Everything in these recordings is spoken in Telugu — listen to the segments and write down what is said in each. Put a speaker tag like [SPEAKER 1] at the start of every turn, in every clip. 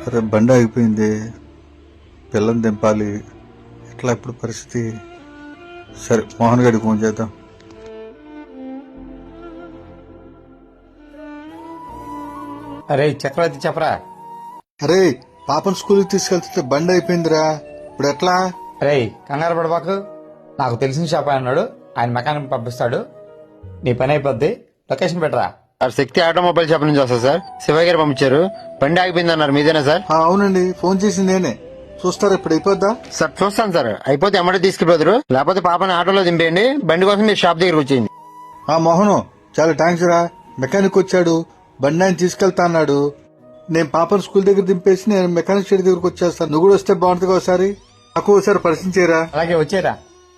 [SPEAKER 1] అరే బండి ఆగిపోయింది, పిల్లని దింపాలి, ఎట్లా ఇప్పుడు పరిస్థితి? సరే మోహన్ గారికి ఫోన్ చేద్దాం.
[SPEAKER 2] అరే చక్రవర్తి చెప్పరా.
[SPEAKER 1] అరే పాపను స్కూల్కి తీసుకెళ్తుంటే బండి అయిపోయిందిరా, ఇప్పుడు ఎట్లా?
[SPEAKER 2] అరే కంగారు పడబాకు, నాకు తెలిసిన షాప్ ఆయన ఉన్నాడు, ఆయన మెకానిక్ పంపిస్తాడు, నీ పని అయిపోద్ది. లొకేషన్ పెట్టరా.
[SPEAKER 3] సార్ శక్తి ఆటోమొబైల్ షాప్ నుంచి వస్తా సార్. శివయ్య గారు పంపించారు. బండి ఆగిపోయింది అన్నారు, మీదేనా సార్?
[SPEAKER 1] అవునండి, ఫోన్ చేసి నేనే. చూస్తారా ఇప్పుడు అయిపోద్దా?
[SPEAKER 3] సార్ చూస్తాను సార్, అయిపోతే ఎమ్మడే తీసుకెళ్ళిపోతారు, లేకపోతే పాపని ఆటోలో దింపేయండి, బండి కోసం మీరు షాప్ దగ్గర వచ్చేయండి.
[SPEAKER 1] మోహను చాలా థ్యాంక్స్ రా, మెకానిక్ వచ్చాడు, బండి ఆయన తీసుకెళ్తా అన్నాడు. నేను పాపను స్కూల్ దగ్గర దింపేసి నేను మెకానిక్ షెడ్ దగ్గరకు వచ్చేస్తాను. నువ్వు కూడా వస్తే బాగుంటుంది ఒకసారి, నాకు ఒకసారి పరిచయం చేయరా.
[SPEAKER 2] అలాగే వచ్చేరా.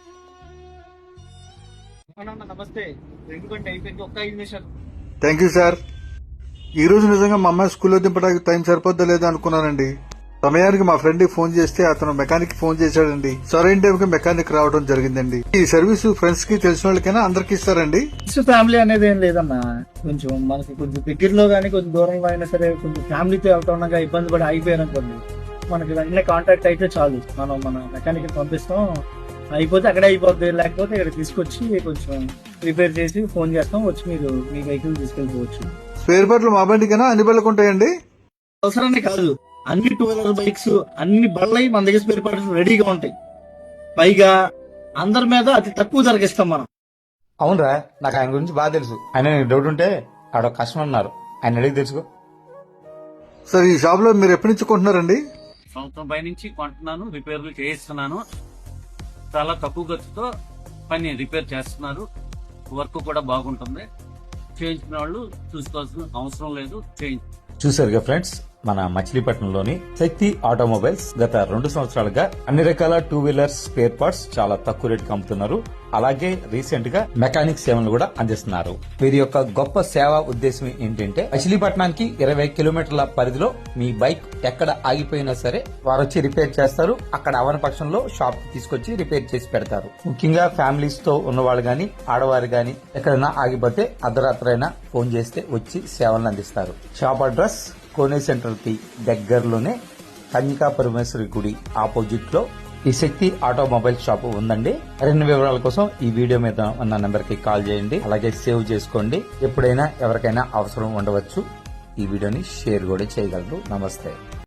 [SPEAKER 4] నమస్తే. అయిపోయింది, ఒక్క 5 నిమిషాలు.
[SPEAKER 1] Thank you sir. ఈ రోజు నిజంగా మా అమ్మాయి స్కూల్లో దింపడానికి టైం సరిపోద్దా లేదా అనుకున్నానండి. సమయానికి మా ఫ్రెండ్ కి ఫోన్ చేస్తే అతను మెకానిక్ ఫోన్ చేశాడండి. సరైన టైం కి మెకానిక్ రావడం జరిగిందండి. ఈ సర్వీస్ ఫ్రెండ్స్ కి తెలిసిన వాళ్ళకైనా అందరికి ఇస్తారండి?
[SPEAKER 4] ఫ్యామిలీ అనేది ఏం లేదమ్మా, కొంచెం మనకి కొంచెం దగ్గరలో గానీ కొంచెం దూరంలో అయినా సరే కొంచెం ఫ్యామిలీతో వెళ్తా ఇబ్బంది పడి ఆగిపోయారనుకోండి, మనకి వెంటనే కాంటాక్ట్ అయితే చాలు, మనం మన మెకానిక్ పంపిస్తాం, అయిపోతే అక్కడే అయిపోద్ది, లేకపోతే ఇక్కడ తీసుకొచ్చి కొంచెం రిపేర్ చేసి ఫోన్ చేస్తాం, వచ్చి మీరు మీ వెహికల్ తీసుకెళ్ళిపోవచ్చు.
[SPEAKER 1] స్పేర్ పార్ట్లు మా బండికైనా అన్ని బళ్ళకు ఉంటాయండి?
[SPEAKER 4] అవసరాన్ని కాదు, అన్ని 2 వీలర్ బైక్స్ అన్ని బళ్ళయి మన దగ్గర స్పేర్ పార్ట్స్ రెడీగా ఉంటాయి. పైగా అందరి మీద అతి తక్కువ ధరకి ఇస్తాం మనం.
[SPEAKER 2] అవునరా, నాకు ఆయన గురించి బాగా తెలుసు. ఆయన నీకు డౌట్ ఉంటే ఆడ కస్టమర్ ఉన్నారు, ఆయన అడిగి తెలుసుకో.
[SPEAKER 1] సార్ ఈ షాప్ లో మీరు ఎప్పటి నుంచి కొంటున్నారండి?
[SPEAKER 5] సంవత్సరం పై నుంచి కొంటున్నాను, రిపేర్లు చేయిస్తున్నాను. చాలా తక్కువ ఖర్చుతో పని రిపేర్ చేస్తున్నారు, వర్క్ కూడా బాగుంటుంది. చేయించిన వాళ్ళు చూసుకోవాల్సిన అవసరం లేదు.
[SPEAKER 2] చూసారుగా ఫ్రెండ్స్, మన మచిలీపట్నంలోని శక్తి ఆటోమొబైల్స్ గత 2 సంవత్సరాలుగా అన్ని రకాల 2 వీలర్స్ స్పేర్ పార్ట్స్ చాలా తక్కువ రేటుకి అమ్ముతున్నారు. అలాగే రీసెంట్ గా మెకానిక్ సేవలు కూడా అందిస్తున్నారు. వీరి యొక్క గొప్ప సేవా ఉద్దేశం ఏంటంటే మచిలీపట్నానికి 20 కిలోమీటర్ల పరిధిలో మీ బైక్ ఎక్కడ ఆగిపోయినా సరే వారు వచ్చి రిపేర్ చేస్తారు. అక్కడ అవని పక్షంలో షాప్ తీసుకొచ్చి రిపేర్ చేసి పెడతారు. ముఖ్యంగా ఫ్యామిలీస్ తో ఉన్నవాళ్ళు గాని ఆడవారు గాని ఎక్కడైనా ఆగిపోతే అర్ధరాత్రైనా ఫోన్ చేస్తే వచ్చి సేవలను అందిస్తారు. షాప్ అడ్రస్ కోనే సెంటర్ కి దగ్గరలోనే కన్యకా పరమేశ్వరి గుడి ఆపోజిట్ లో ఈ శక్తి ఆటోమొబైల్ షాప్ ఉందండి. మరిన్ని వివరాల కోసం ఈ వీడియో మీద ఉన్న నెంబర్ కి కాల్ చేయండి, అలాగే సేవ్ చేసుకోండి. ఎప్పుడైనా ఎవరికైనా అవసరం ఉండవచ్చు. ఈ వీడియోని షేర్ కూడా చేయగలరు. నమస్తే.